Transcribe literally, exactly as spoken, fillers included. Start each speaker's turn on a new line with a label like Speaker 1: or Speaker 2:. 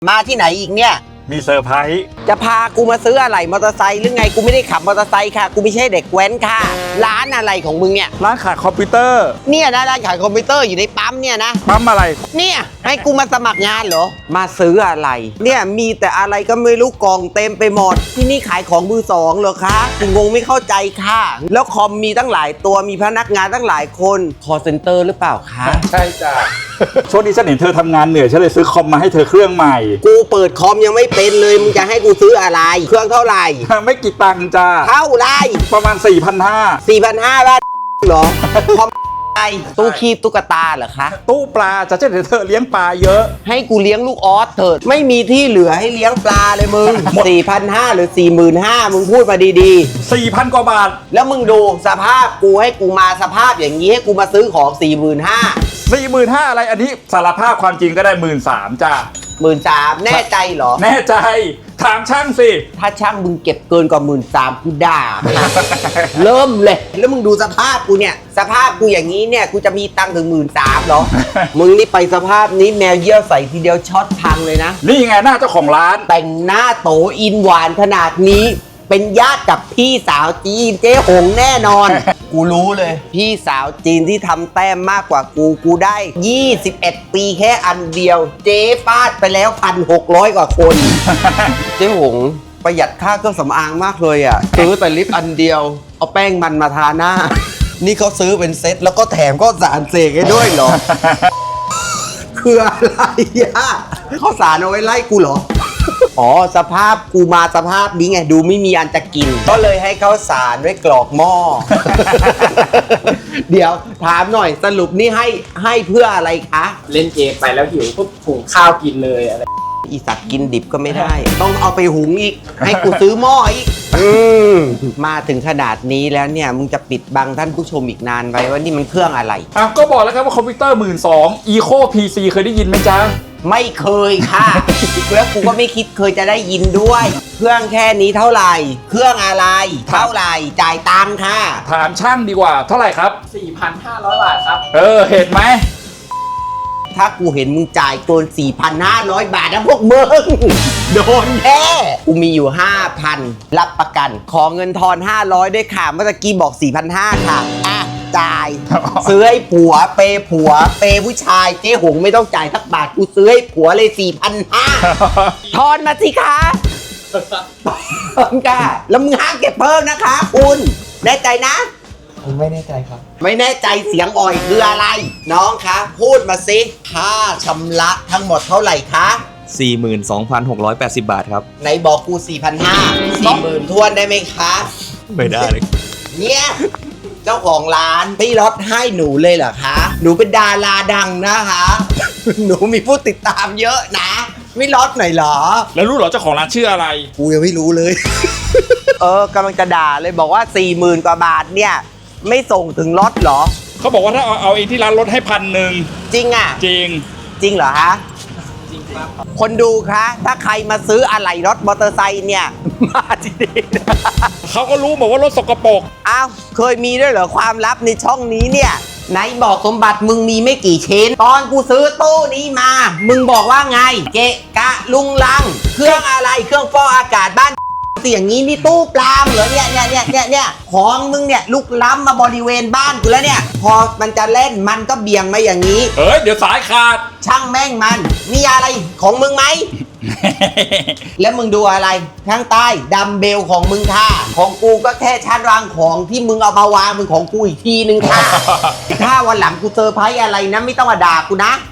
Speaker 1: มาที่ไหนอีกเนี่ย
Speaker 2: มีเซอร์ไพรส์
Speaker 1: จะพากูมาซื้ออะไรมอเตอร์ไซค์หรือไงกูไม่ได้ขับมอเตอร์ไซค์ค่ะกูไม่ใช่เด็กแว้นค่ะร้านอะไรของมึงเนี่ย
Speaker 2: ร้านขายคอมพิวเตอร์
Speaker 1: เนี่ยนะร้านขายคอมพิวเตอร์อยู่ในปั๊มเนี่ยนะ
Speaker 2: ปั๊มอะไร
Speaker 1: เนี่ยให้กูมาสมัครงานเหรอมาซื้ออะไรเนี่ยมีแต่อะไรก็ไม่รู้กองเต็มไปหมดที่นี่ขายของมือสองเหรอคะกูงงไม่เข้าใจค่ะแล้วคอมมีตั้งหลายตัวมีพนักงานตั้งหลายคนคอลเซ็นเตอร์หรือเปล่าคะ
Speaker 2: ใช่จ้ะช่วงนี้ฉันเห็นเธอทำงานเหนื่อยฉันเลยซื้อคอมมาให้เธอเครื่องใหม่
Speaker 1: กูเปิดคอมยังไม่เป็นเลยมึงจะให้กูซื้ออะไรเครื่องเท่าไหร่
Speaker 2: ไม่กี่ตังค์จ้า
Speaker 1: เท่าไร
Speaker 2: ประมาณ สี่พันห้าร้อย
Speaker 1: สี่พันห้าร้อย บาทเหรอคอมไอตู้คีบตุ๊กตาเหรอคะ
Speaker 2: ตู้ปลาจะเช่นเธอเลี้ยงปลาเยอะ
Speaker 1: ให้กูเลี้ยงลูกออสเถิดไม่มีที่เหลือให้เลี้ยงปลาเลยมึง สี่พันห้าร้อย หรือ สี่หมื่นห้าพัน มึงพูดมาดี
Speaker 2: ๆ สี่พัน กว่าบาท
Speaker 1: แล้วมึงดูสภาพกูให้กูมาสภาพอย่างนี้ให้กูมาซื้อของ สี่หมื่นห้าพัน
Speaker 2: สี่หมื่นห้าพัน อะไรอันนี้สารภาพความจริงก็ได้ หนึ่งหมื่นสามพัน จ้า
Speaker 1: หนึ่งหมื่นสามพัน แน่ใจเหรอ
Speaker 2: แน่ใจถามช่างสิ
Speaker 1: ถ้าช่างมึงเก็บเกินกว่า หนึ่งหมื่นสามพัน กูด่า เริ่มเลยแล้วมึงดูสภาพกูเนี่ยสภาพกูอย่างนี้เนี่ยกูจะมีตังค์ถึง หนึ่งหมื่นสามพัน เหรอ มึงนี่ไปสภาพนี้แมวเยี่ยวใส่ทีเดียวช็อตพังเลยนะ
Speaker 2: นี่ไงหน้าเจ้าของร้าน
Speaker 1: แต่งหน้าโตอินหวานขนาดนี้เป็นญาติกับพี่สาวจีนเจ๊หงแน่นอน กูรู้เลยพี่สาวจีนที่ทำแต้มมากกว่ากูกูได้ยี่สิบเอ็ดปีแค่อันเดียวเจ๊ฟาดไปแล้ว หนึ่งพันหกร้อย กว่าคน เจ๊หงประหยัดค่าเครื่องสำอางมากเลยอ่ะซื้อแต่ลิปอันเดียวเอาแป้งมันมาทาหน้านี่เขาซื้อเป็นเซ็ตแล้วก็แถมก็สารเสกให้ด้วยเหรอ คืออะไรอ่ะข้าวสารเอาไว้ไล่กูเหรออ๋อสภาพกูมาสภาพนี้ไงดูไม่มีอันจะกินก็เลยให้ข้าวสารไว้กรอกหม้อ เดี๋ยวถามหน่อยสรุปนี่ให้ให้เพื่ออะไรคะ
Speaker 3: เล่นเกมไปแล้วหิวปุ๊บหุงข้าวกินเลยอะไร
Speaker 1: อีสัตว์กินดิบก็ไม่ได้ ต้องเอาไปหุงอีกให้กูซื้อหม้ออีกอืมมาถึงขนาดนี้แล้วเนี่ยมึงจะปิดบังท่านผู้ชมอีกนานไปว่านี่มันเครื่องอะไร
Speaker 2: อ่ะก็บอกแล้วครับว่าคอมพิวเตอร์ หนึ่งหมื่นสองพัน Eco พี ซี เคยได้ยินไหมจ๊ะ
Speaker 1: ไม่เคยค่ะ แล้วกูก็ไม่คิดเคยจะได้ยินด้วย เครื่องแค่นี้เท่าไหร่เครื่องอะไรเท่าไหร่จ่ายตังค่ะ
Speaker 2: ถามช่างดีกว่าเท่าไหร่ครับ
Speaker 3: สี่พันห้าร้อย บาทครับ
Speaker 2: เออเห็นไหม
Speaker 1: ถ้ากูเห็นมึงจ่ายเกิน สี่พันห้าร้อย บาทนะพวกมึงโดนแน่กูมีอยู่ ห้าพัน รับประกันขอเงินทอนห้าร้อยด้วยค่ะเมื่อกี้บอก สี่พันห้าร้อย ค่ะอ่ะจ่ายซื้อให้ผัวเปย์ผัวเปย์ผู้ชายเจ๊หงไม่ต้องจ่ายสักบาทกูซื้อให้ผัวเลย สี่พันห้าร้อย ทอนมาสิคะเพิ่มค่ะแล้วมึงห้ามเก็บเพิ่มนะคะคุณแน่ใจนะ
Speaker 3: ผมไม่แน่ใจครับ
Speaker 1: ไม่แน่ใจเสียงอ่อยคืออะไรน้องคะพูดมาสิค่าชำระทั้งหมดเท่าไหร่คะ
Speaker 4: สี่หมื่นสองพันหกร้อยแปดสิบ บาทครับ
Speaker 1: ไหนบอกกู สี่พันห้าร้อย สี่หมื่นทวนได้ไหมคะ
Speaker 4: ไม่ได้เลย
Speaker 1: เนี่ยเจ้าของร้านพี่ลดให้หนูเลยเหรอคะหนูเป็นดาราดังนะคะหนูมีผู้ติดตามเยอะนะไม่ลดหน่อยเหรอ
Speaker 2: แล้วรู้เหรอเจ้าของร้านชื่ออะไร
Speaker 1: กูยังไม่รู้เลย เออกำลังจะด่าเลยบอกว่า สี่หมื่น กว่าบาทเนี่ยไม่ส่งถึงรถเหรอ
Speaker 2: เขาบอกว่าถ้าเอาเอาเองที่ร้านลดให้พันหนึ่ง
Speaker 1: จริงอ่ะ
Speaker 2: จริง
Speaker 1: จริงเหรอฮะ
Speaker 3: จริงครับ
Speaker 1: คนดูคะถ้าใครมาซื้ออะไหล่รถมอเตอร์ไซค์เนี่ยมาที่นี่
Speaker 2: เขาก็รู้บอกว่ารถสกปรก
Speaker 1: อ้าวเคยมีด้วยเหรอความลับในช่องนี้เนี่ยไหนบอกสมบัติมึงมีไม่กี่ชิ้นตอนกูซื้อตู้นี้มามึงบอกว่าไงเกะกะลุงลังเครื่องอะไรเครื่องฟอกอากาศบ้านเสียงนี้นี่ตู้ปลามเหรอเนี่ยเนี่ยเนี่ยเนี่ยเนี่ยของมึงเนี่ยลุกล้ำมาบริเวณบ้านกูแล้วเนี่ยพอมันจะเล่นมันก็เบี่ยงมาอย่างนี้
Speaker 2: เฮ้ยเดี๋ยวสายขาด
Speaker 1: ช่างแม่งมันมีอะไรของมึงไหม แล้วมึงดูอะไรข้างใต้ดัมเบลของมึงค่ะของกูก็แค่ชั้นวางของที่มึงเอามาวางมึงของกูอีกทีนึงค่ะ ถ้าวันหลังกูเซอร์ไพรส์อะไรนะไม่ต้องมาด่ากูนะ